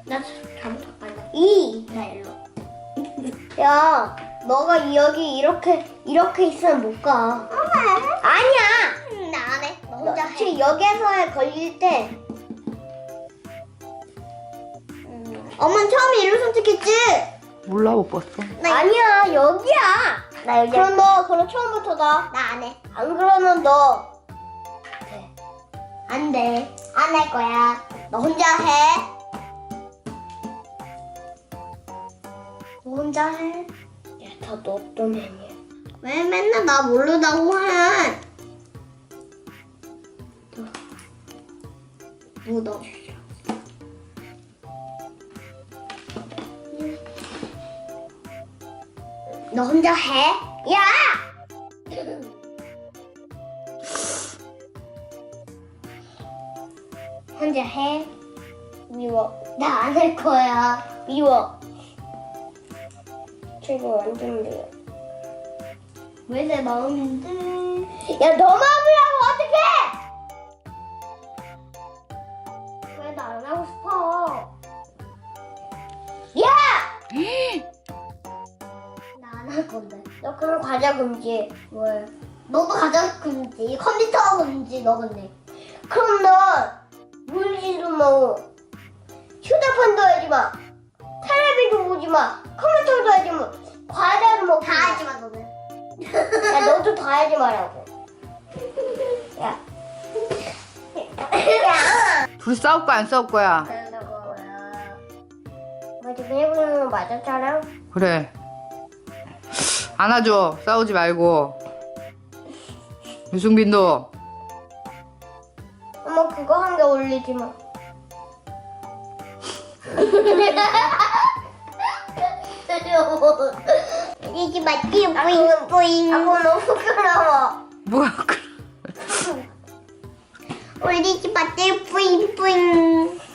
나 잘못 빨라. 나 일로. 야, 너가 여기 이렇게 있으면 못 가. 아니야. 나 안 해. 너 혼자 해. 여기에서 걸릴 때. 엄마는 처음에 일로 선택했지? 몰라, 못 봤어. 아니야, 여기야. 나 여기. 그럼 너 처음부터 나 안 해. 안 그러면 너. 돼. 안 돼. 안 할 거야. 너 혼자 해. 너 혼자 해. 야, 다 너 때문이야. 왜 맨날 나 모르다고 해? 묻어. 너 혼자 해? 야! 혼자 해? 미워. 나 안 할 거야. 미워. 지금 완전 미워. 왜 내 마음인데? 야, 너 마음이라고 어떡해! 왜 나 안 하고 싶어? 야! 나 안 할 건데. 너 그럼 과자 금지. 왜? 너도 과자 금지. 컴퓨터 금지. 너 근데. 그럼 너 물지도 마. 휴대폰도 하지 마. 텔레비전 보지 마. 컴퓨터도 하지 마. 과자도 먹지 마. 다 하지 마 너는. 야, 너도 다 하지 말라고. 야. 야. 둘이 싸울 거야, 안 싸울 거야? 뭐 지금 해보는 거 맞았잖아. 그래. 안아줘. 싸우지 말고. 유승빈도. 엄마 그거 한 개 올리지 마. 이게 맞지? 뿌잉 뿌잉. 아, 그거 너무 부끄러워. 뭐야, 올리지 마세요. 뿌잉 뿌잉.